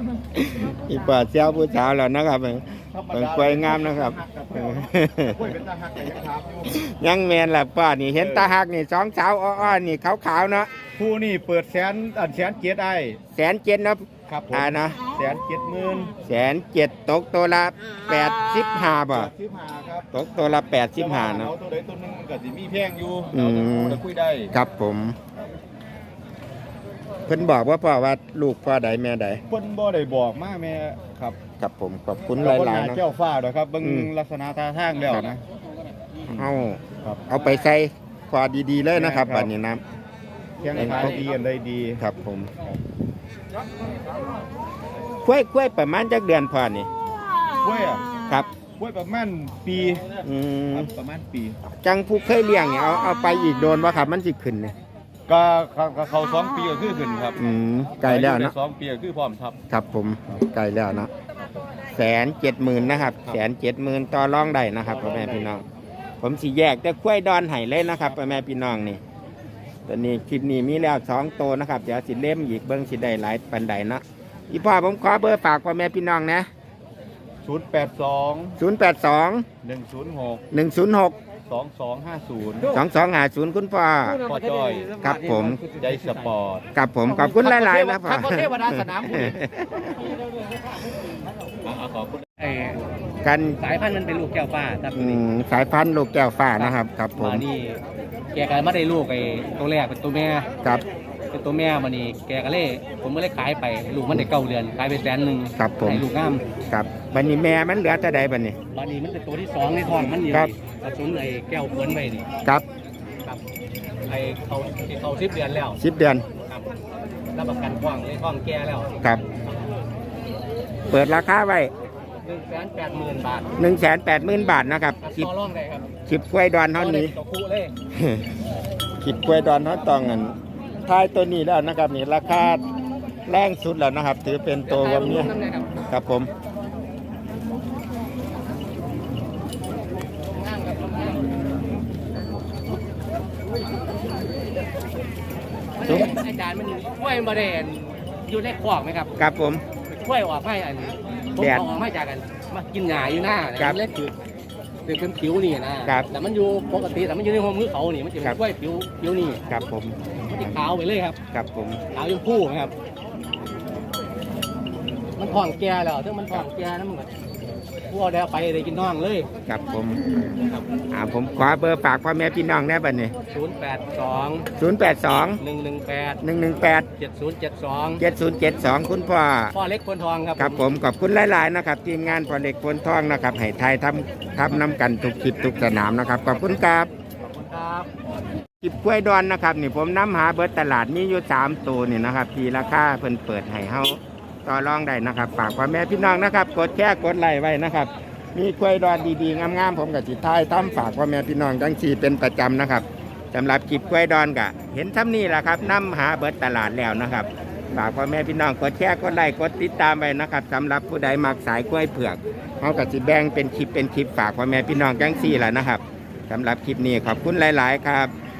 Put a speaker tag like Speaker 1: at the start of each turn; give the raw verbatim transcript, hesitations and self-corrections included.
Speaker 1: อีปอดเซลผู้สาวแล้วนะครับเป็นกล้วยงามนะครับยังแมนแหละป้านี่เห็นตาหักนี่สองสาวอ้อๆนี่ขาวๆเนาะ
Speaker 2: ผู้นี่เปิดแสนอันแสนเจ็ดได้
Speaker 1: แสนเจ็ดนะครับอ่านะ
Speaker 2: แสนเจ็ดหมื่น
Speaker 1: แสนเจ็ดตกตัวละแปดสิบห้าบ่ตกตัวละแปดสิบห้านะ
Speaker 2: ตัวใดตัวนึงมันก็สิมีแพงอยู่
Speaker 1: อืม
Speaker 2: จะคุยได้
Speaker 1: ครับผมเพิ่นบอกว่าพ่อว่าลูกพ่อใดแม่ใด
Speaker 2: เพิ่นบ่ได้บอกมาแม่ครับ
Speaker 1: ครับผมขอบคุณหลายๆนะ
Speaker 2: เจ้าฟ้าด้วยครับเบิ่งลักษณะท่าทางแล้วนะ
Speaker 1: เอาเอาไปใส่พอดีๆเลยนะครับบัดนี้นะ
Speaker 2: เพียงขายดีอันใดดี
Speaker 1: ครับผมกล้วยกล้วยประมาณจักเดือนพอนี่
Speaker 2: กล้วยอ่ะ
Speaker 1: ครับ
Speaker 2: กล้วยประมาณปี
Speaker 1: อืม
Speaker 2: ประมาณปี
Speaker 1: จังผู้เคยเลี้ยงเนี่ยเอาเอาไปอีกโดนบ่ครับมันสิขึ้นนี่
Speaker 2: ก็เขาสองปีก็คือขึ้นครับ
Speaker 1: อืมไกลแล้วนะ
Speaker 2: สองปีก็คือพร้อมทับ
Speaker 1: ครับผมไกลแล้วนะแสนเจ็ดหมื่นนะครับแสนเจ็ดหมื่นต่อรองได้นะครับพ่อแม่พี่น้องผมสิแยกแต่กล้วยดอนไห้เลยนะครับพ่อแม่พี่น้องนี่ตอนนี้คลิปนี้มีแล้วสองโตนะครับเดี๋ยวสิเล่มอีกเบิ้งสิได้หลายปันใดเนาะอีพ่อผมขอเบอร์ฝากพ่อแม่พี่น้องนะ
Speaker 2: ศูนย์แปดสอง
Speaker 1: ศูนย์แปดสอง
Speaker 2: หนึ่งศูนย์หก
Speaker 1: หนึ่งศูนย์หก
Speaker 2: สองสองห้าศูนย์
Speaker 1: สองสองห้าศูนย์คุณพ่อ
Speaker 2: พ่อจ้อย
Speaker 1: ครับผม
Speaker 2: ใจสปอร์ต
Speaker 1: ครับผมขอบคุณหลายๆนะพ่อ
Speaker 2: เทวดาสนามบุญขอบคุณ
Speaker 1: กัน
Speaker 3: สายพันธุ์มันเป็นลูกแก้วฟ้าครับ
Speaker 1: สายพันธุ์ลูกแก้วฟ้านะครับครับผม
Speaker 3: นี่แกก็ไม่ได้ลูกไอ้ตัวแรกเป็นตัวแม่
Speaker 1: ครับ
Speaker 3: เป็นตัวแม่มานี่แกก็เลยผมก็เลยขายไปลูกมันได้เก้าเดือนขายไปแสนหนึ่ง
Speaker 1: ครับผม
Speaker 3: ให้ลูกงาม
Speaker 1: ครับบันนี้แม่มันเหลือแต่ใดบันนี้
Speaker 3: บันนี้มันเป็นตัวที่สองในท้องมันอยู่ผสมไอ้แก้วเปิ้นไปนี่
Speaker 1: ครับ
Speaker 3: ครับไอ้เขาเขาสิบเดือนแล้ว
Speaker 1: สิบเดือน
Speaker 3: ครับรับประกันกว้างในท้องแก่แล้ว
Speaker 1: ครับเปิดราคาไว้
Speaker 3: หนึ่งแสนแปดหมื่นบาท
Speaker 1: หนึ่งแสนแปดหมื่นบาทนะครับ
Speaker 3: คิดร่องได้ครับ
Speaker 1: คิดกล้วยดอนเท่านี้คิดกล้วยดอนเท่าตองเงินท้ายตัวนี้แล้วนะครับนี่ราคาแรงสุดแล้วนะครับถือเป็นตัววันนี้ครับผม
Speaker 3: อาจารย์มันกล้วยมาเด่นอยู่ในขวากไหมครับ
Speaker 1: ครับผม
Speaker 3: กล้วยออกให้อันผมออกมาจากกันมากินหญ้าอยู่หน้าเล็กคือเป็นผิวนี่นะแต่มันอยู่ปกติแต่มันอยู่ในห้องมือเขานี่มันจะเป็นกล้วยผิวผิวนี่
Speaker 1: ครับผม
Speaker 3: มันจะขาวไปเลยครับ
Speaker 1: ครับผม
Speaker 3: ขาวยังพู่นะครับมันท้องแก่แล้วถ้ามันท้องแก่นั่นมันก็พวกเดี๋ยวไปได้กินน้องเลย
Speaker 1: ครับผมอ่าผมขอเบอร์ฝากพ่อแม่พี่น้องได้บัดนี้
Speaker 3: ศูนย์แปดสอง
Speaker 1: ศูนย์แปดสอง
Speaker 3: หนึ่งหนึ่งแปด
Speaker 1: หนึ่งหนึ่งแปด
Speaker 3: เจ็ดศูนย์เจ็ดสอง
Speaker 1: เจ็ดศูนย์เจ็ดสองคุณพ่อ
Speaker 3: พ่อเล็กพลทองครับ
Speaker 1: ครับผมขอบคุณหลายๆนะครับทีมงานพ่อเล็กพลทองนะครับให้ไทยทำทำน้ำกันทุกคลิปทุกสนามนะครับขอบคุณครับ
Speaker 3: ขอบคุณครับ
Speaker 1: คลิปกล้วยดอนนะครับนี่ผมน้ำหาเบิร์ตลาดนี่อยู่สามตัวนี่นะครับที่ราคาเพิ่นเปิดให้เฮาต่อรองได้นะครับฝากพ่อแม่พี่น้องนะครับกดแชร์กดไลค์ไว้นะครับมีกล้วยดอนดีๆงามๆผมกับจิตไทยทำฝากพ่อแม่พี่น้องจังสี่เป็นประจำนะครับสำหรับคลิปกล้วยดอนกะเห็นซ้ำนี่แหละครับน้ำหาเบิร์ตลาดแล้วนะครับฝากพ่อแม่พี่น้องกดแชร์กดไลค์กดติดตามไว้นะครับสำหรับผู้ใดมักสายกล้วยเผือกเขากับจิแบ่งเป็นคลิปเป็นคลิปฝากพ่อแม่พี่น้องจังสี่แหละนะครับสำหรับคลิปนี้ขอบคุณหลายๆครับ